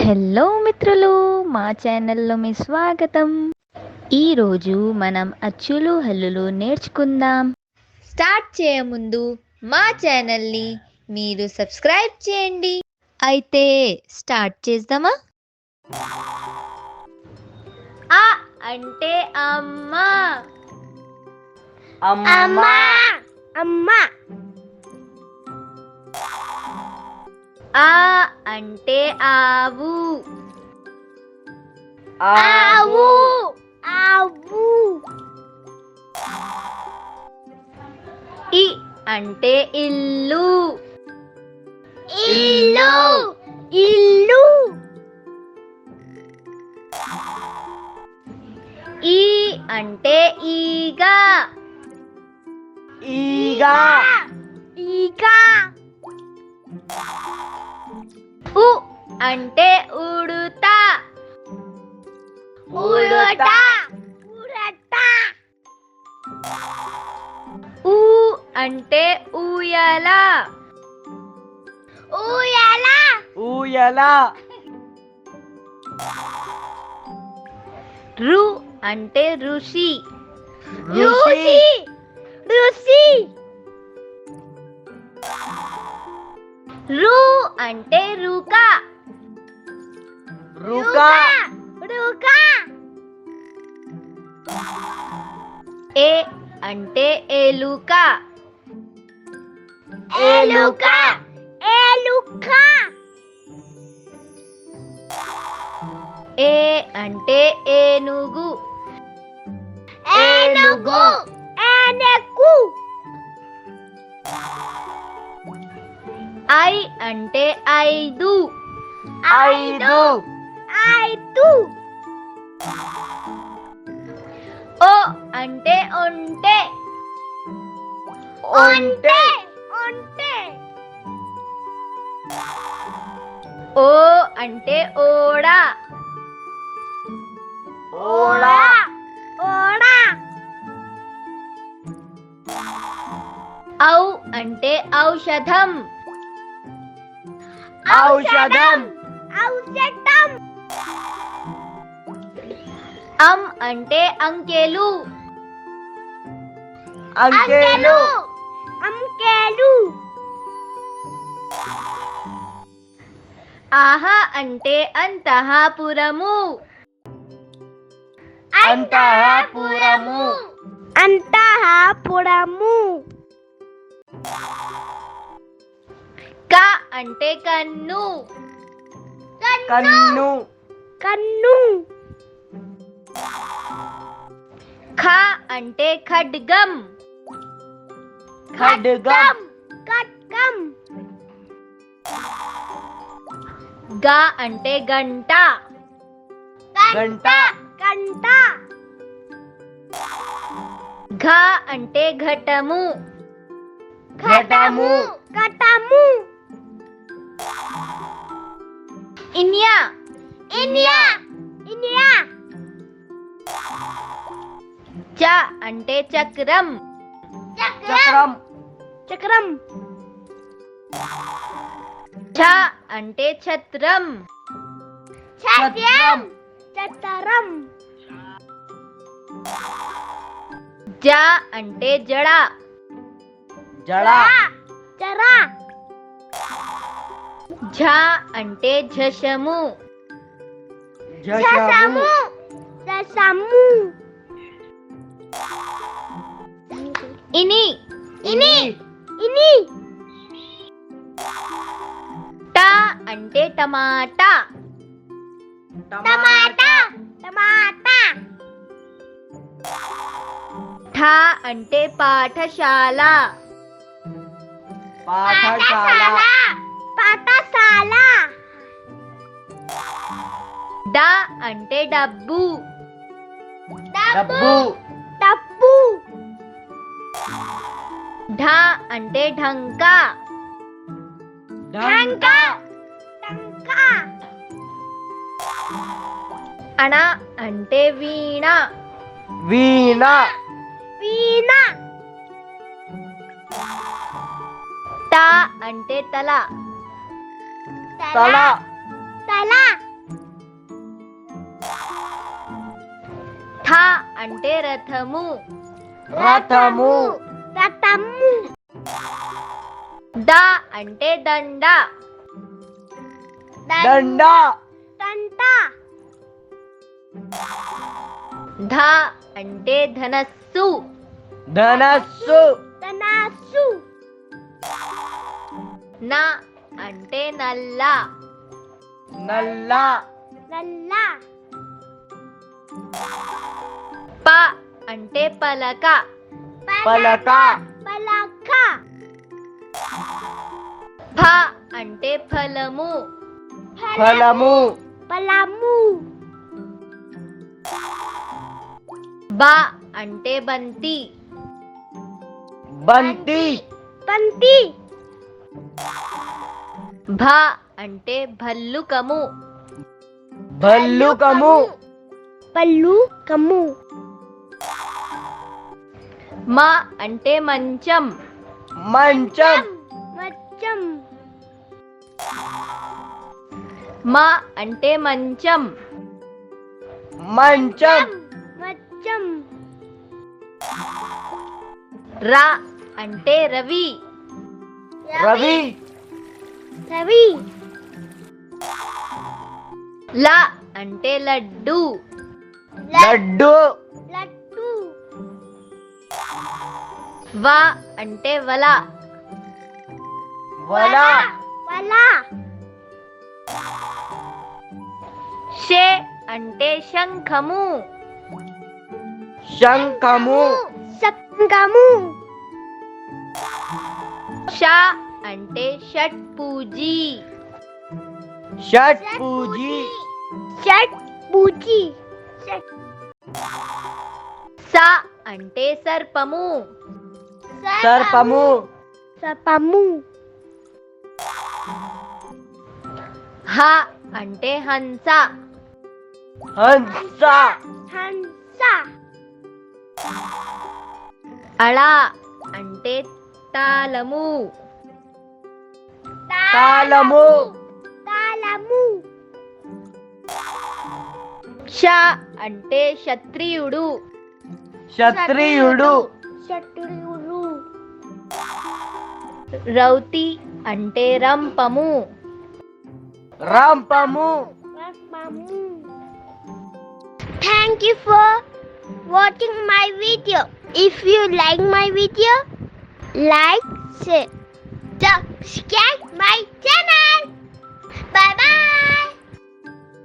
Hello మిత్రులు, మా ఛానల్లో మీ స్వాగతం. ఈరోజు మనం అచ్చులు హల్లులు నేర్చుకుందాం. స్టార్ట్ చేయముందు మా ఛానల్ని మీరు సబ్స్క్రైబ్ చేయండి. అయితే స్టార్ట్ చేద్దామా? ఆ అంటే అమ్మ. అమ్మా అమ్మా. ఆ అంటే ఆవు. ఆవు ఆవు. ఇ అంటే ఇల్లు. ఇల్లు ఇల్లు. ఈ అంటే ఈగ. ఈగ ఈగ. ఉ అంటే ఉడుత. ఉడత ఉడత. ఊ అంటే ఊయల. ఊయల ఊయల. రు అంటే ఋషి. ఋషి ఋషి. రు అంటే రుక. రుక రుక. ఏ అంటే ఎలుక. ఎలుక ఎలుక. ఏ అంటే ఏనుగు. ఏనుగు ఏనుగు. ఐ అంటే ఐదు. ఐదు ఐదు. ఓ అంటే ఒంటె. ఒంటె ఒంటె. ఓ అంటే ఓడ. ఓడ ఓడ. ఔ అంటే ఔషధం. ఔషధం ఔషధం. అం అంటే అంకెలు. అంకెలు అంకెలు. ఆహ అంటే అంతఃపురము. అంతఃపురము అంతఃపురము. క అంటే కన్ను. కన్ను కన్ను. ఖ అంటే ఖడ్గం. ఖడ్గం ఖడ్గం. గ అంటే గంట. గంట గంట. ఘ అంటే ఘటము. ఘటము ఘటము. ఇన్యా ఇన్యా ఇన్యా. చ అంటే చక్రం. చక్రం చక్రం. ఛ అంటే ఛత్రం. ఛత్రం ఛత్రం. జ అంటే జడ. జడ జడ. ఝ అంటే ఝషము. జషము జషము. ఇని ఇని ఇని. ట అంటే టమాటా. టమాటా టమాటా. ఠ అంటే పాఠశాల. పాఠశాల పాఠశాల. డ అంటే డబ్బు. డబ్బు డబ్బు. ఢ అంటే ఢంక. ఢంక ఢంక. అణ అంటే వీణ. వీణ వీణ. త అంటే తల. తల తల అంటే రథము. రథము. రథము. ద అంటే దండ. దండ. దండ. ధ అంటే ధనస్సు. ధనస్సు. ధనస్సు. న అంటే నల్ల. నల్ల. నల్ల. ప అంటే పలక. పలక. పలక. ఫ అంటే ఫలము. ఫలము. ఫలము. బ అంటే బంతి. బంతి. బంతి. భ అంటే భల్లుకము. భల్లుకము. భల్లుకము. మ అంటే మంచం. మంచం. మంచం. మ అంటే మంచం. మంచం. మంచం. ర అంటే రవి. రవి. రవి. ల అంటే లడ్డు. లడ్డు. లడ్డు. వ అంటే వల. వల. వల. షే అంటే శంఖము. శంఖము. శంఖము. ష అంటే షట్పూజి. షట్పూజి. షట్పూజి. స అంటే సర్పము. సర్పము. సర్పము. హ అంటే హంస. హంస. హంస. అళ అంటే తాళము. తాళము. తాళము. క్ష అంటే క్షత్రియుడు. క్షత్రియుడు. క్షత్రియుడు. రౌతి అంటే రంపము. రంపము. Thank you for watching my video. If you like my video, like, share, subscribe my channel. Bye bye.